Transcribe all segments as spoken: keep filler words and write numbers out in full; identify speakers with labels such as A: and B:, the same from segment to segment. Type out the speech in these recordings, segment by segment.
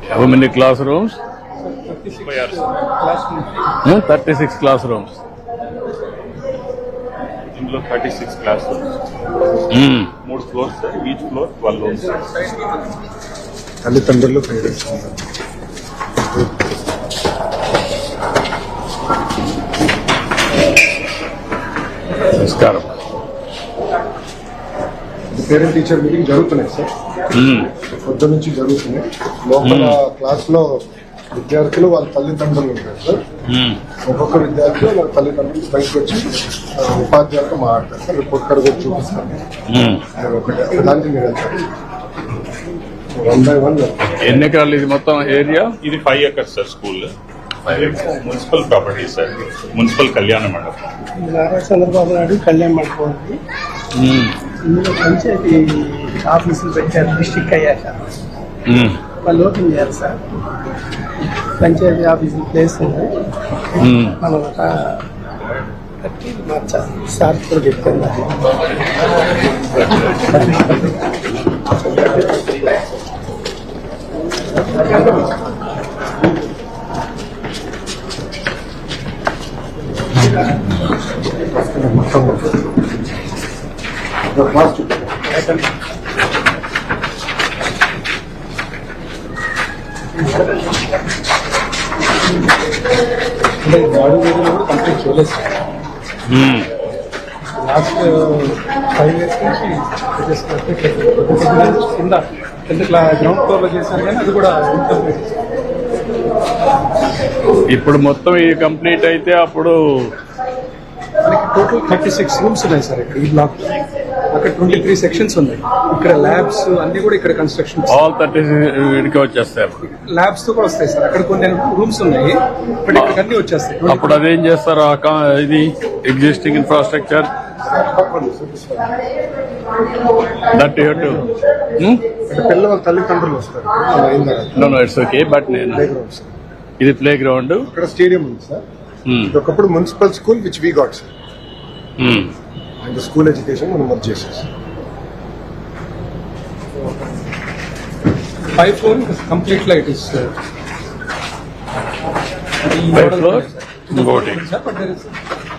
A: How many classrooms? Hmm? thirty-six classrooms.
B: ఇందులో thirty six class rooms,
A: Hmm.
B: మూడు floors, each floor twelve rooms.
C: తల్లిదండ్రులు parents
A: నమస్కారం.
C: Parent teacher meeting జరుగుతున్నాయి sir,
A: Hmm.
C: పొద్దు నుంచి జరుగుతున్నాయి. లోపల క్లాస్ లో విద్యార్థులు వాళ్ళ తల్లిదండ్రులు ఉంటారు సార్.
A: Hmm.
C: ఒక్కొక్క విద్యార్థి వాళ్ళ తల్లిదండ్రులు బయటకు వచ్చి ఆ, ఉపాధ్యాయులతో మాట్లాడతారు సార్. రిపోర్ట్ కార్డు కూడా చూపిస్తారు.
A: Hmm.
C: అది ఒకటి దానికి మీరు వెళ్తారు వన్ బై వన్.
A: ఎన్ని ఎకరాలు ఇది మొత్తం ఏరియా?
B: ఇది five acres sir school. Municipal property sir, municipal కళ్యాణ మండపం.
D: నారా చంద్రబాబు నాయుడు కళ్యాణ్ మండపం ఉంది.
A: Hmm.
D: ఇందులో పంచాయతీ ఆఫీసులు పెట్టారు డిస్టిక్ అయ్యాక.
A: Hmm.
D: వాళ్ళు ఓపెన్ చేయాలి సార్. పంచాయతీ ఆఫీసులు ప్లేస్ ఉంది.
A: Hmm.
D: మనం ఒక కట్టి మార్చాలి సార్ కూడా చెప్తాను.
C: మొత్తం క్లాస్ చూపించారు. అంటే బాడీ ఏరియాలో కూడా కంప్లీట్ చేయలేదు sir.
A: Hmm.
D: Last five years నుంచి చేస్తున్నట్టు కింద కింద గ్రౌండ్ ఫ్లోర్ లో చేశారు కానీ అది కూడా ఇన్కంప్లీట్.
A: ఇప్పుడు మొత్తం ఇది కంప్లీట్ అయితే అప్పుడు
D: మనకి టోటల్ థర్టీ సిక్స్ రూమ్స్ ఉన్నాయి సార్ ఇక్కడ ఈ బ్లాక్. అక్కడ ట్వంటీ త్రీ సెక్షన్స్ ఉన్నాయి. ఇక్కడ ల్యాబ్స్ అన్ని కూడా ఇక్కడ కన్స్ట్రక్షన్
A: ఆల్ థర్టీ ఇడికి వచ్చేస్తారు.
D: ల్యాబ్స్ తో కూడా వస్తాయి సార్. అక్కడ కొన్ని రూమ్స్ ఉన్నాయి, బట్ ఇక్కడ అన్ని వచ్చేస్తాయి.
A: అప్పుడు అదేం చేస్తారు? ఆ కా- ఇది existing infrastructure that you to
C: అంటే పిల్లల తల్లిదండ్రులు వస్తారు. అలా అయిన తర్వాత
A: no no it's okay. But నేను
C: ప్లే గ్రౌండ్ సార్.
A: ఇది ప్లే గ్రౌండ్.
C: అక్కడ స్టేడియం ఉంది సార్. ఇది ఒకప్పుడు municipal school which we got sir. And school education మనం వర్క్ చేసాం sir.
D: Five floor complete light is
A: Five floor? ఇంకోటి.
D: బట్ దేర్ ఇస్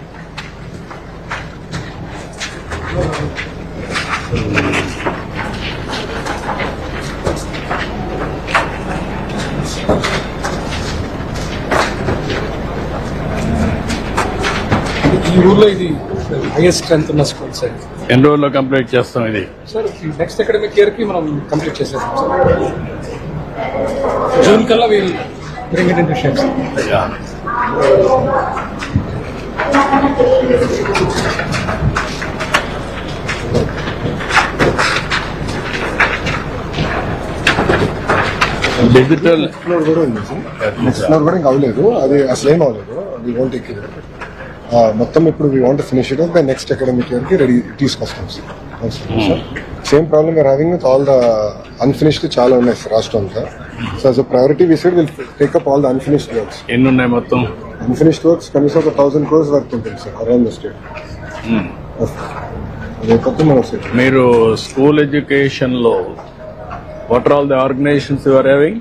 D: ఈ ఊర్లో ఇది హైయెస్ట్ స్ట్రెంత్ ఉన్న స్కూల్ సార్.
A: ఎన్ని రోజుల్లో కంప్లీట్ చేస్తాం ఇది?
D: సార్ నెక్స్ట్ అకాడమిక్ ఇయర్ కి మనం కంప్లీట్ చేసేస్తాం సార్. జూన్ కల్లా we'll bring it into shape.
A: Digital
C: floor కూడా ఉంది సార్. నెక్స్ట్ ఫ్లోర్ కూడా ఇంకా అవ్వలేదు, అది అసలు ఏం అవ్వలేదు. వీ వాంట్ ఎక్కి మొత్తం ఇప్పుడు we want finish it by next academic year కి రెడీ తీసుకొస్తాం sir. Same problem we are having with all the unfinished చాలా ఉన్నాయి సార్ రాష్ట్రం అంతా. So as a priority we said we'll take up all the unfinished works.
A: ఎన్ని ఉన్నాయి మొత్తం?
C: Unfinished works కనీసం ఒక థౌసండ్ క్రోర్స్ వర్క్ ఉంటుంది సార్ అరౌండ్ ద స్టేట్. అదైతే మనం సెట్.
A: మీరు స్కూల్ ఎడ్యుకేషన్ లో what are all the organisations you are having?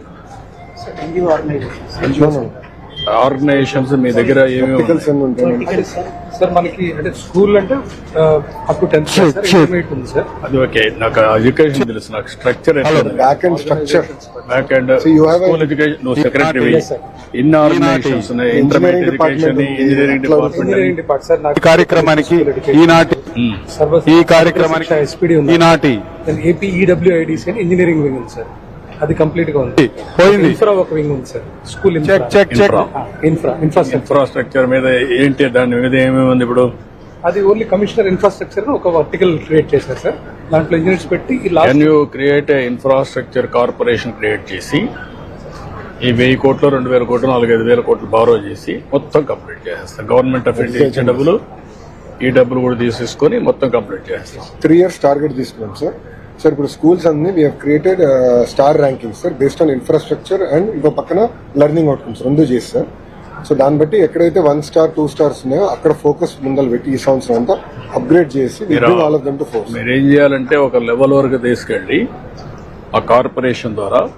A: Organisations మీ దగ్గర ఏమేమి
C: ఆర్టికల్స్ ఎన్ని ఉంటాయి?
D: సార్ మనకి అంటే స్కూల్ అంటే up to tenth sir intermediate ఉంది సార్.
A: అది ఓకే. నాకు ఎడ్యుకేషన్ తెలుసు, నాకు structure
C: back and structure
A: back and
C: So you have a-
A: school education నువ్వు సెక్రటరీ.
D: Yes, sir.
A: ఇన్ని ఆర్గనైజేషన్స్ ఉన్నాయి. Intermediate education, engineering department.
D: Engineering department sir నాకు
E: కార్యక్రమానికి ఈనాటి
D: సర్వ
E: ఈ కార్యక్రమానికి
D: ఎస్పీడీ ఉంది.
E: ఈనాటి
D: ఏపీ ఈడబ్ల్యూఐడిసి అని ఇంజనీరింగ్ వింగ్ ఉంది సార్. అది కంప్లీట్ గా ఉంది.
E: పోయింది.
D: ఇన్ఫ్రా ఒక వింగ్ ఉంది sir. School
E: check check check
D: infra infrastructure
A: infrastructure మీద ఏంటి, దాని మీద ఏమేమి ఉంది ఇప్పుడు?
D: అది ఓన్లీ కమిషనర్ ఇన్ఫ్రాస్ట్రక్చర్ ఒక వర్టికల్ క్రియేట్ చేశారు సార్. దాంట్లో ఇంజనీర్స్ పెట్టి ఈ last
A: can you create a infrastructure corporation create చేసి ఈ వెయ్యి కోట్లు రెండు వేల కోట్లు నాలుగైదు వేల కోట్లు బారో చేసి మొత్తం కంప్లీట్ చేసేస్తాం. గవర్నమెంట్ ఆఫ్ ఇండియా ఇచ్చే డబ్బులు ఈ డబ్బులు కూడా తీసేసుకొని మొత్తం కంప్లీట్ చేస్తాం.
C: త్రీ ఇయర్స్ టార్గెట్ తీసుకున్నాం సార్. సార్ ఇప్పుడు స్కూల్స్ అన్ని we have created star ranking sir based on infrastructure and ఇంకో పక్కన లెర్నింగ్ అవుట్కమ్స్ రెండు చేసి సార్. సో దాన్ని బట్టి ఎక్కడైతే వన్ స్టార్ టూ స్టార్స్ ఉన్నాయో అక్కడ ఫోకస్ ముందలు పెట్టి ఈ సంవత్సరం అంతా అప్గ్రేడ్ చేసి all of them to fours.
A: మీరు ఏం చేయాలంటే ఒక లెవెల్ వరకు తీసుకెళ్లి ఆ కార్పొరేషన్ ద్వారా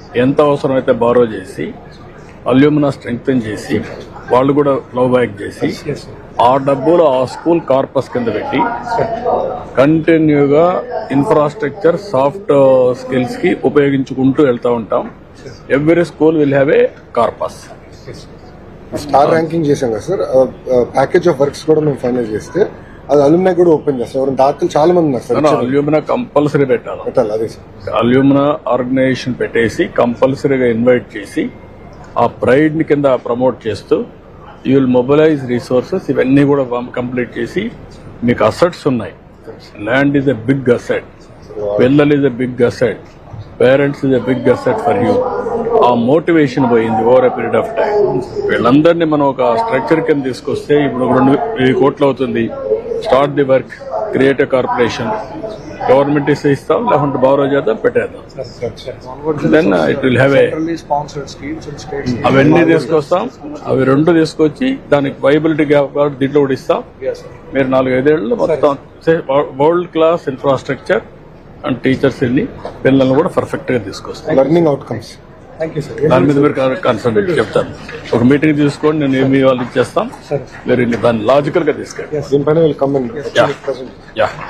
A: ఎంత అవసరమైతే బారో చేసి అల్యూమినా స్ట్రెంగ్తన్ చేసి వాళ్ళు కూడా ఫ్లో బ్యాక్ చేసి
D: Yes, sir.
A: ఆ డబ్బులు ఆ స్కూల్ కార్పస్ కింద పెట్టి కంటిన్యూగా ఇన్ఫ్రాస్ట్రక్చర్ సాఫ్ట్ స్కిల్స్ కి ఉపయోగించుకుంటూ వెళ్తా ఉంటాం. Every school will have a corpus.
C: Star ranking చేసాం కదా సార్, ప్యాకేజ్ ఆఫ్ వర్క్స్ కూడా మేము ఫైనల్ చేస్తే అది అలుమ్నాయ్ కూడా ఓపెన్ చేస్తాం. ఎవరైనా దాతలు చాలా మంది ఉన్నారు సార్,
A: అల్యూమినా కంపల్సరీ పెట్టాలి.
C: పెట్టాలి. అదే సార్,
A: అల్యూమినా ఆర్గనైజేషన్ పెట్టేసి కంపల్సరీగా ఇన్వైట్ చేసి ఆ ప్రైడ్ ని కింద ప్రమోట్ చేస్తూ యూ విల్ మొబిలైజ్ రిసోర్సెస్ ఇవన్నీ కూడా కంప్లీట్ చేసి మీకు అసెట్స్ ఉన్నాయి. Land is a big asset, పిల్లలు is a big asset, parents is a big asset for you. ఆ మోటివేషన్ పోయింది over a period of time. వీళ్ళందరినీ మనం ఒక స్ట్రక్చర్ కింద తీసుకొస్తే ఇప్పుడు ఒక రెండు వెయ్యి కోట్లు అవుతుంది. Start the work, create a corporation, government ఇస్తే ఇస్తాం, లేకుంటే బారో చేద్దాం, పెట్టేద్దాం. Then it will have a అవన్నీ తీసుకొస్తాం. అవి రెండు తీసుకొచ్చి దానికి వైబిలిటీ దీంట్లో కూడా ఇస్తాం. మీరు నాలుగు ఐదేళ్ళు మొత్తం world class infrastructure and teachers వెళ్ళి పిల్లల్ని కూడా పర్ఫెక్ట్ గా తీసుకొస్తాం.
C: Learning outcomes
D: thank you sir.
A: దాని మీద మీరు కన్సల్టేట్ చెప్తాను. ఒక మీటింగ్ తీసుకోండి, నేను ఏమి వాళ్ళు ఇచ్చేస్తాం. మీరు దాన్ని లాజికల్ గా తీసుకెళ్ళి
C: దీనిపైన విల్ కమ్ అండ్
A: యా